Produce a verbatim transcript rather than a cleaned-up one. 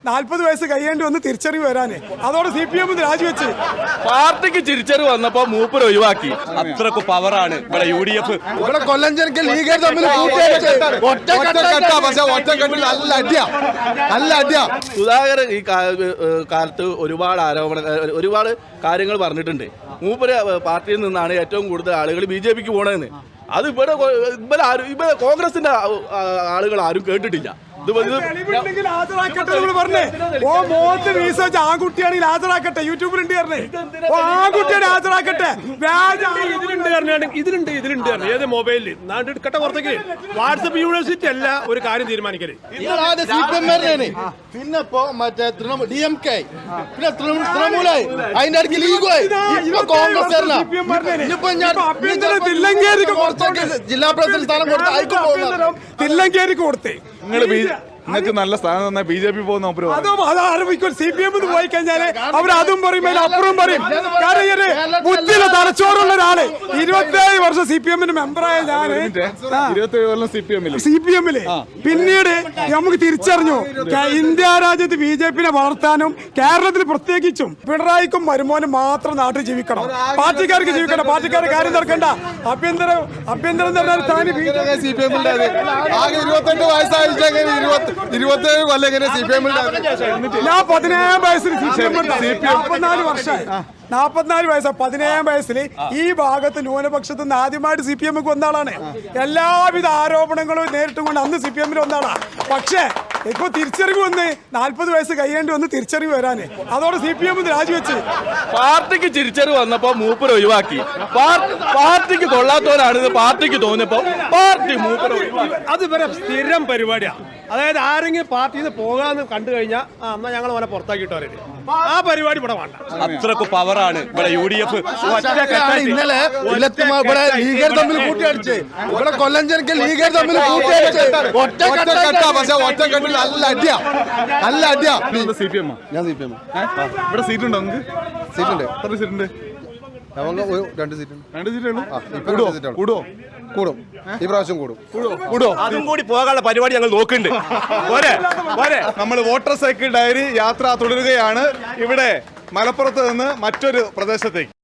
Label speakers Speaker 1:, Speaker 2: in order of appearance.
Speaker 1: നാൽപ്പത് വയസ്സ് കഴിയേണ്ടി വന്ന് തിരിച്ചറിവ് വരാന് അതോടെ സി പി എം രാജിവെച്ച്
Speaker 2: പാർട്ടിക്ക് തിരിച്ചറിവ് വന്നപ്പോ മൂപ്പർ ഒഴിവാക്കി. അത്രക്ക് പവറാണ് ഇവിടെ യു ഡി എഫ്.
Speaker 3: ഇവിടെ കൊല്ലം ജനക്ക് ലീഗ് തമ്മിൽ നല്ല അടിയാ നല്ല അടിയാ.
Speaker 2: സുധാകരൻ ഈ കാലത്ത് ഒരുപാട് ആരോപണ ഒരുപാട് കാര്യങ്ങൾ പറഞ്ഞിട്ടുണ്ട്. മൂപ്പര് പാർട്ടിയിൽ നിന്നാണ് ഏറ്റവും കൂടുതൽ ആളുകൾ ബി ജെ പിക്ക് പോകണമെന്ന്. അത് ഇവിടെ ഇവിടെ ആരും ഇവിടെ കോൺഗ്രസിന്റെ ആളുകൾ ആരും കേട്ടിട്ടില്ല.
Speaker 1: ആൺകുട്ടിയാണെങ്കിൽ ഹാജരാക്കട്ടെ, യൂട്യൂബിലുണ്ട് ആൺകുട്ടിയാണ് ഹാജരാക്കട്ടെ.
Speaker 4: ഇതിലുണ്ട് ഇതിലുണ്ട് ഏത് മൊബൈലിൽ നാട്ടെടുക്കട്ടെ പുറത്തേക്ക്. വാട്സപ്പ് യൂണിവേഴ്സിറ്റി അല്ല ഒരു കാര്യം തീരുമാനിക്കല്.
Speaker 3: പിന്നെ ഇപ്പോ മറ്റേ ഡി എം കെ പിന്നെ തൃണമൂലായി അതിന്റെ അടുത്ത് ലീഗായി കോൺഗ്രസ് ജില്ലാ പ്രസിഡന്റ് സ്ഥാനം കൊടുത്ത്
Speaker 1: തില്ലങ്കേരിക്ക് കൊടുത്തേ.
Speaker 5: നിങ്ങൾക്ക് നല്ല സ്ഥാനം തന്നെ ബി ജെ പി പോകുന്ന
Speaker 1: അതും അത് ആരംഭിക്കും. സി പി എം പോയി കഴിഞ്ഞാല് അവർ അതും പറയും, അപ്പുറം പറയും. കാരണം ബുദ്ധിയിലെ തലച്ചോറുള്ള ഒരാള് ഇരുപത്തിയേഴ് വർഷം സി പി എമ്മിന് മെമ്പറായ ഞാന്
Speaker 5: ഇരുപത്തിയേഴ് കൊല്ലം സി പി എമ്മില്
Speaker 1: സി പി എമ്മില് പിന്നീട് നമുക്ക് തിരിച്ചറിഞ്ഞു ഇന്ത്യ രാജ്യത്ത് ബി ജെ പിനെ വളർത്താനും കേരളത്തിൽ പ്രത്യേകിച്ചും പിണറായിക്കും വരുമാനം മാത്രം നാട്ടിൽ ജീവിക്കണം, പാർട്ടിക്കാർക്ക് ജീവിക്കണം, പാർട്ടിക്കാരുടെ കാര്യം തീർക്കണ്ട. ആഭ്യന്തര ആഭ്യന്തരം പറഞ്ഞാൽ
Speaker 3: സി പി എമ്മിന്റെ ആകെ ഇരുപത്തെട്ട് വയസ്സായിട്ട് ഇരുപത്തേഴ് കൊല്ലം എങ്ങനെ സി പി എമ്മിൽ
Speaker 1: ഞാൻ പതിനേഴാം വയസ്സിൽ സി പി എം നാൽപ്പത്തിനാല് വർഷമായി നാൽപ്പത്തിനാല് വയസ്സാ പതിനേഴാം വയസ്സിൽ ഈ ഭാഗത്ത് ന്യൂനപക്ഷത്തിൽ നിന്ന് ആദ്യമായിട്ട് സി പി എമ്മിക്ക് വന്നാളാണ്. എല്ലാവിധ ആരോപണങ്ങളും നേരിട്ടും കൊണ്ട് അന്ന് സി പി എമ്മിൽ വന്നാളാണ്. പക്ഷേ ഇപ്പൊ തിരിച്ചറിവ് വന്ന് നാൽപ്പത് വയസ്സ് കഴിയേണ്ടി വന്ന് തിരിച്ചറിവ് വരാന് അതോടെ സി പി എം രാജിവെച്ച്
Speaker 2: പാർട്ടിക്ക് തിരിച്ചറിവ് വന്നപ്പോ മൂപ്പർ ഒഴിവാക്കി. പാർട്ടിക്ക് കൊള്ളാത്തവരാണെന്ന് പാർട്ടിക്ക് തോന്നിയപ്പോ പാർട്ടി മൂപ്പർ ഒഴിവാക്കി.
Speaker 4: അത് ഇവരെ സ്ഥിരം പരിപാടിയാണ്. അതായത് ആരെങ്കിലും പാർട്ടിയിൽ നിന്ന് പോകാന്ന് കണ്ടു കഴിഞ്ഞാൽ ആ എന്നാ ഞങ്ങൾ അവനെ പുറത്താക്കിയിട്ട് പറയരുത്. ആ പരിപാടി ഇവിടെ വേണ്ട.
Speaker 2: അത്രക്ക് പവറാണ് ഇവിടെ യു ഡി എഫ്.
Speaker 3: ഇന്നലെ ഇവിടെ ലീഗർ തമ്മിൽ കൂട്ടിയടിച്ച് ഇവിടെ കൊല്ലം ജനക്ക് ലീഗർ തമ്മിൽ കൂട്ടിയടിച്ച് ഒറ്റക്കെട്ട പക്ഷെ ഒറ്റക്കെട്ടിൽ നല്ല അടിയാ നല്ല അടിയാ.
Speaker 5: സി പി എം
Speaker 3: ഞാൻ സി പി എം
Speaker 5: ഇവിടെ സീറ്റ് ഉണ്ടോ നിങ്ങൾക്ക്?
Speaker 3: സീറ്റുണ്ട്.
Speaker 5: എത്ര സീറ്റ് ഉണ്ട്?
Speaker 3: രണ്ട് സീറ്റ്
Speaker 5: രണ്ട് സീറ്റ്
Speaker 3: കൂടുവോ? കൂടും. ഈ പ്രാവശ്യം കൂടും.
Speaker 2: കൂടോ അതും കൂടി പോകാനുള്ള പരിപാടി ഞങ്ങൾ നോക്കുന്നുണ്ട്.
Speaker 5: നമ്മൾ വോട്ടർ സൈക്കിൾ ഡയറി യാത്ര തുടരുകയാണ് ഇവിടെ മലപ്പുറത്ത് നിന്ന് മറ്റൊരു പ്രദേശത്തേക്ക്.